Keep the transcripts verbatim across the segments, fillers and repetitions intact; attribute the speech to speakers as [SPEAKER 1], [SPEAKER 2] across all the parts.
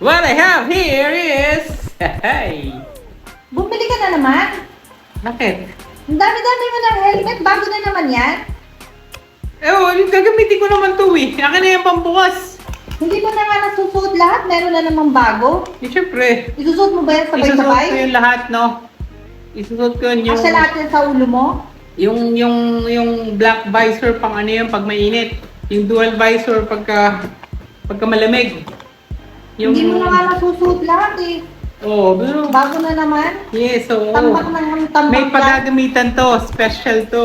[SPEAKER 1] What I have here is... Hey!
[SPEAKER 2] Bumili ka na naman.
[SPEAKER 1] Bakit?
[SPEAKER 2] Ang dami-dami mo ng helmet. Bago na naman yan.
[SPEAKER 1] Eh, oh, gagamitin ko naman to eh. Akin na yung pambukas.
[SPEAKER 2] Hindi mo na nga nasusuot lahat. Meron na namang bago.
[SPEAKER 1] Eh, syempre.
[SPEAKER 2] Isusuot mo ba yan
[SPEAKER 1] Isusuot
[SPEAKER 2] sabay-sabay?
[SPEAKER 1] ko yung lahat, no? Isusuot ko yun yung...
[SPEAKER 2] Asya lahat yan sa ulo mo?
[SPEAKER 1] Yung, yung, yung black visor pang ano yun, pag mainit. Yung dual visor pagka... Pagka malamig.
[SPEAKER 2] Hindi mo na nga nasusuot lahat eh.
[SPEAKER 1] Oo, oh, pero...
[SPEAKER 2] Bago na naman.
[SPEAKER 1] Yes, oo.
[SPEAKER 2] Tambak ng tambak
[SPEAKER 1] May
[SPEAKER 2] yan.
[SPEAKER 1] pagagamitan to. Special to.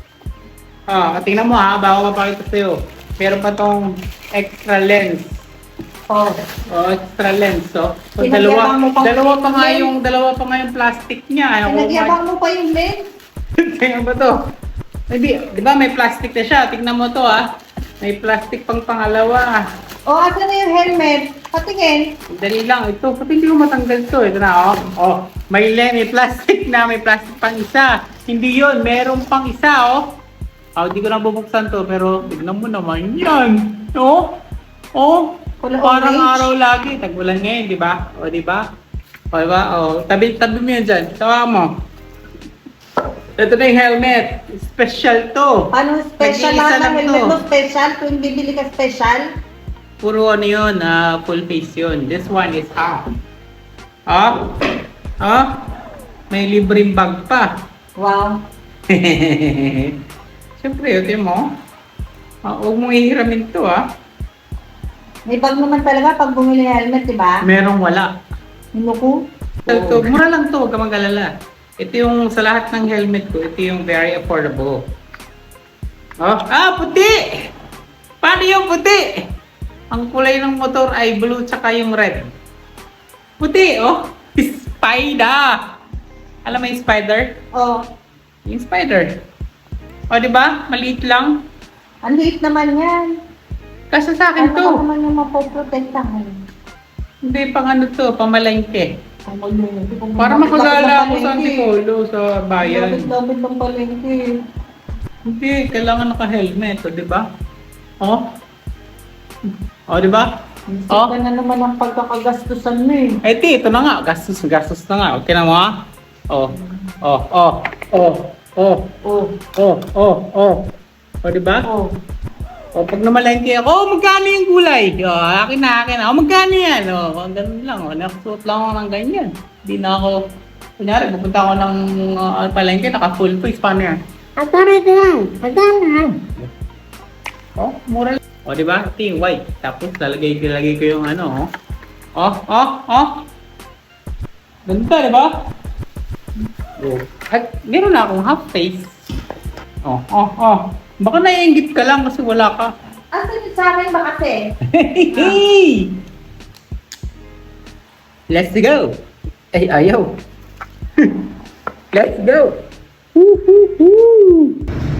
[SPEAKER 1] Ah, tingnan mo ha, bago mapakita sa'yo. Meron pa tong extra lens.
[SPEAKER 2] Oh.
[SPEAKER 1] Oh, extra lens. So, so
[SPEAKER 2] Pinagyabang
[SPEAKER 1] dalawa,
[SPEAKER 2] mo pang
[SPEAKER 1] dalawa pa nga
[SPEAKER 2] lens.
[SPEAKER 1] yung, dalawa pa nga yung plastic niya. Ayaw ko
[SPEAKER 2] Pinagyabang mo pa yung lens.
[SPEAKER 1] Tingnan ba to? Hindi, di ba may plastic na siya? Tingnan mo to ha. May plastic pang pangalawa.
[SPEAKER 2] O, oh, asa na yung helmet? Patingin.
[SPEAKER 1] Dali lang. Ito, pati hindi ko matanggal to. Ito na, oh. Oh, may lens, may plastic na, may plastic pang isa. Hindi yon, meron pang isa, oh. Oh, hindi ko na bubuksan to, pero tignan mo naman yan. Oh, oh.
[SPEAKER 2] Kulay
[SPEAKER 1] Parang
[SPEAKER 2] orange.
[SPEAKER 1] araw lagi. Tag-ulan ngayon, di ba? O, di ba? O, di ba? O, tabi, tabi mo yan dyan. Tawa mo. Ito na yung helmet. Special to.
[SPEAKER 2] Paano special
[SPEAKER 1] Nag-iisa
[SPEAKER 2] lahat ng
[SPEAKER 1] lang
[SPEAKER 2] helmet
[SPEAKER 1] to.
[SPEAKER 2] mo? Special? Kung bibili ka special?
[SPEAKER 1] Puro ano yun, ah, full face yun. This one is half. Ah? Ah? May libreng bag pa.
[SPEAKER 2] Wow.
[SPEAKER 1] Siyempre, yun mo. Ah, huwag mong ihiramin to, ah.
[SPEAKER 2] May bag naman talaga pag bumili ng helmet, di ba?
[SPEAKER 1] Merong wala.
[SPEAKER 2] Nuko?
[SPEAKER 1] Ito, to, mura lang to, huwag ka mag-alala. Ito yung sa lahat ng helmet ko, ito yung very affordable. Oh, ah, puti! Paano yung puti? Ang kulay ng motor ay blue tsaka yung red. Puti, oh! Spider! Alam mo yung spider?
[SPEAKER 2] Oh,
[SPEAKER 1] Yung spider. O, di ba? Maliit lang.
[SPEAKER 2] ang liit naman yan.
[SPEAKER 1] Kasi sa akin
[SPEAKER 2] Ano
[SPEAKER 1] to.
[SPEAKER 2] ka naman yung mapoprotektahan?
[SPEAKER 1] Hindi pang ano to, pamalengke.
[SPEAKER 2] Ang malungkot. Kung
[SPEAKER 1] Para
[SPEAKER 2] lumapit-lapit
[SPEAKER 1] makagala
[SPEAKER 2] ng
[SPEAKER 1] ako sa
[SPEAKER 2] palengke.
[SPEAKER 1] Antipolo, sa bayan.
[SPEAKER 2] Lapit-lapit ng palengke.
[SPEAKER 1] Hindi, kailangan naka-helmet, o, di ba? O? O, di ba?
[SPEAKER 2] Isip
[SPEAKER 1] Oh.
[SPEAKER 2] ka na naman ang pagkakagastusan mo eh.
[SPEAKER 1] Eh, ti, ito na nga. Gastos, gastos na nga. Okay na mo, ha? O, o, o, o, o,
[SPEAKER 2] Oh,
[SPEAKER 1] o, o, o. O, di ba?
[SPEAKER 2] oh.
[SPEAKER 1] O, pag namalengke ako, oh, magkano yung gulay? O, akin na, akin na. O, magkano yan? O, ganun lang. O, nakasuot lang ako ng ganyan. Hindi na ako, kunyari, pupunta ako ng uh, palengke, naka-full face. Paano yan?
[SPEAKER 2] At para lang, pagdala.
[SPEAKER 1] Oh, mura lang. O, di ba? Ito yung white. Tapos, lalagay ko, lalagay ko yung ano, oh. Oh, oh, oh. Ganda, di ba? Oh. At meron na akong half face. Oh, oh, oh. Baka naiingit ka lang kasi wala ka.
[SPEAKER 2] Asan yung sa akin ba kasi?
[SPEAKER 1] Hey! Let's go! Ay, ayaw. Let's go! Woo, woo, woo.